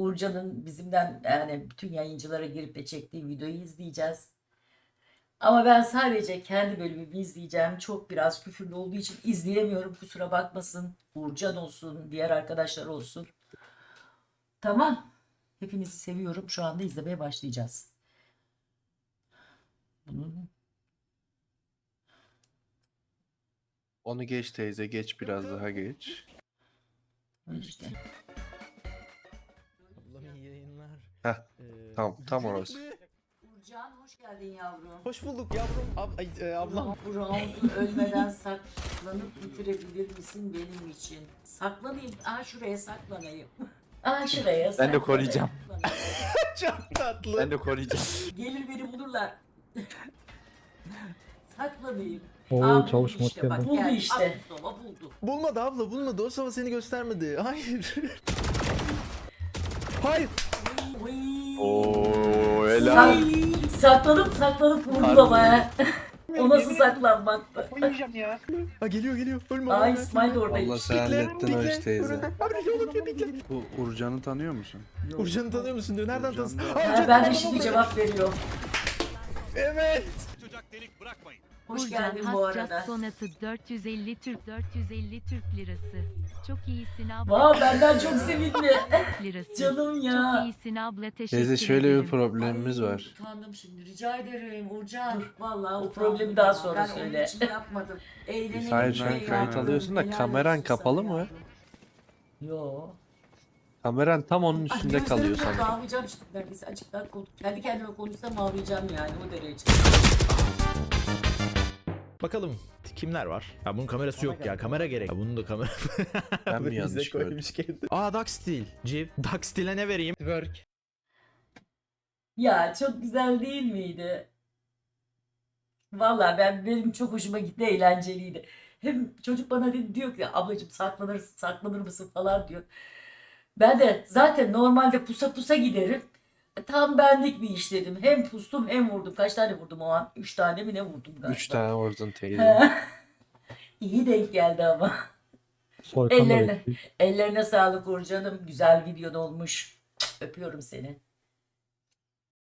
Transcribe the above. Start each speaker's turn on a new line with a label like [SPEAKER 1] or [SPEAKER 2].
[SPEAKER 1] Uğurcan'ın bizimden yani bütün yayıncılara girip de çektiği videoyu izleyeceğiz. Ama ben sadece kendi bölümümü izleyeceğim. Çok biraz küfürlü olduğu için izleyemiyorum. Kusura bakmasın. Uğurcan olsun, diğer arkadaşlar olsun. Tamam. Hepinizi seviyorum. Şu anda izlemeye başlayacağız. Bunun
[SPEAKER 2] Onu geç teyze, geç biraz daha geç.
[SPEAKER 1] işte.
[SPEAKER 3] Ablam iyi yayınlar.
[SPEAKER 2] Heh, tam
[SPEAKER 3] Gecelik
[SPEAKER 2] orası.
[SPEAKER 3] mi?
[SPEAKER 1] Uğurcan hoş geldin yavrum.
[SPEAKER 3] Hoş bulduk yavrum. Ablam.
[SPEAKER 1] Bu roundu ölmeden saklanıp bitirebilir misin benim için? Saklanayım. Şuraya saklanayım. Şuraya
[SPEAKER 2] Ben de
[SPEAKER 1] saklanayım.
[SPEAKER 2] koruyacağım.
[SPEAKER 3] Çok tatlı.
[SPEAKER 2] Ben de koruyacağım.
[SPEAKER 1] Gelir beni bulurlar. Saklanayım.
[SPEAKER 4] Oo,
[SPEAKER 1] Buldu
[SPEAKER 4] çavuş mod
[SPEAKER 1] işte bak.
[SPEAKER 4] geldi.
[SPEAKER 1] Buldu işte. Sola buldu.
[SPEAKER 3] Bulmadı abla bulmadı. O sabah seni göstermedi. Hayır. Hayır.
[SPEAKER 1] Oy.
[SPEAKER 2] Oo, helal.
[SPEAKER 1] Saklanıp vurdu
[SPEAKER 2] Harbi.
[SPEAKER 1] ama ha. O nasıl saklanmaktı?
[SPEAKER 5] Oynayacağım ya.
[SPEAKER 3] Ha geliyor. Ölme.
[SPEAKER 1] Aa
[SPEAKER 3] ölme.
[SPEAKER 1] İsmail de
[SPEAKER 2] Vallahi
[SPEAKER 1] oradaymış.
[SPEAKER 2] sen hallettin
[SPEAKER 3] Bekle.
[SPEAKER 2] hoş teyze.
[SPEAKER 3] Abi yolu bekle.
[SPEAKER 2] Bu Urcan'ı tanıyor musun?
[SPEAKER 3] Urcan'ı tanıyor musun diyor. Nereden
[SPEAKER 2] Urcan
[SPEAKER 3] tanısın?
[SPEAKER 2] da-
[SPEAKER 1] Ha, ben de şimdi cevap veriyorum.
[SPEAKER 3] Evet.
[SPEAKER 1] Hoş geldin bu arada.
[SPEAKER 6] Sonatı 450 Türk lirası. Çok iyisin abla.
[SPEAKER 1] Vay benden çok sevindi.
[SPEAKER 6] Lirası.
[SPEAKER 1] Canım ya.
[SPEAKER 6] Çok iyisin abla, teşekkür
[SPEAKER 2] Teyze şöyle bir
[SPEAKER 6] ederim.
[SPEAKER 2] problemimiz
[SPEAKER 1] Ay,
[SPEAKER 2] var.
[SPEAKER 1] Utandım şimdi. Rica ederim Uğurcan. Dur. Vallahi o
[SPEAKER 7] Utandım
[SPEAKER 1] problemi daha
[SPEAKER 7] ya.
[SPEAKER 1] sonra
[SPEAKER 7] Ben
[SPEAKER 1] söyle.
[SPEAKER 7] onun için yapmadım. Eğlenelim
[SPEAKER 2] Hayır, şu an
[SPEAKER 7] diye
[SPEAKER 2] kayıt
[SPEAKER 7] yaptım.
[SPEAKER 2] alıyorsun da
[SPEAKER 7] Helal
[SPEAKER 2] kameran
[SPEAKER 7] olsun
[SPEAKER 2] kapalı
[SPEAKER 7] sana
[SPEAKER 2] mı?
[SPEAKER 7] yavrum.
[SPEAKER 1] Yo.
[SPEAKER 2] Kameran tam onun
[SPEAKER 1] Ay,
[SPEAKER 2] üstünde
[SPEAKER 1] gözlerim
[SPEAKER 2] kalıyor
[SPEAKER 1] kapalı,
[SPEAKER 2] sanırım.
[SPEAKER 1] ağlayacağım şimdi neredeyse. Açıktan kendi kendime konuşsam ağlayacağım yani o derece.
[SPEAKER 3] Bakalım kimler var? Ya bunun kamerası yok ya. Kamera gerek. Ya bunun da kamera.
[SPEAKER 2] Ben mi
[SPEAKER 3] Bize
[SPEAKER 2] yanlış gördüm?
[SPEAKER 3] koymuş kendi. Ducksteel. Ducksteel'e ne vereyim? Work.
[SPEAKER 1] Ya çok güzel değil miydi? Vallahi benim çok hoşuma gitti, eğlenceliydi. Hem çocuk bana diyor ki ablacığım saklanır mısın falan diyor. Ben de zaten normalde pusa giderim. Tam benlik bir iş dedim. Hem pustum hem vurdum. Kaç tane vurdum o an? 3 tane mi ne vurdum galiba.
[SPEAKER 2] 3 tane vurdun teyze.
[SPEAKER 1] İyi denk geldi ama.
[SPEAKER 4] Soykan da
[SPEAKER 1] Ellerine.
[SPEAKER 4] bekliyor.
[SPEAKER 1] Ellerine sağlık Uğurcanım. Güzel videon olmuş. Öpüyorum seni.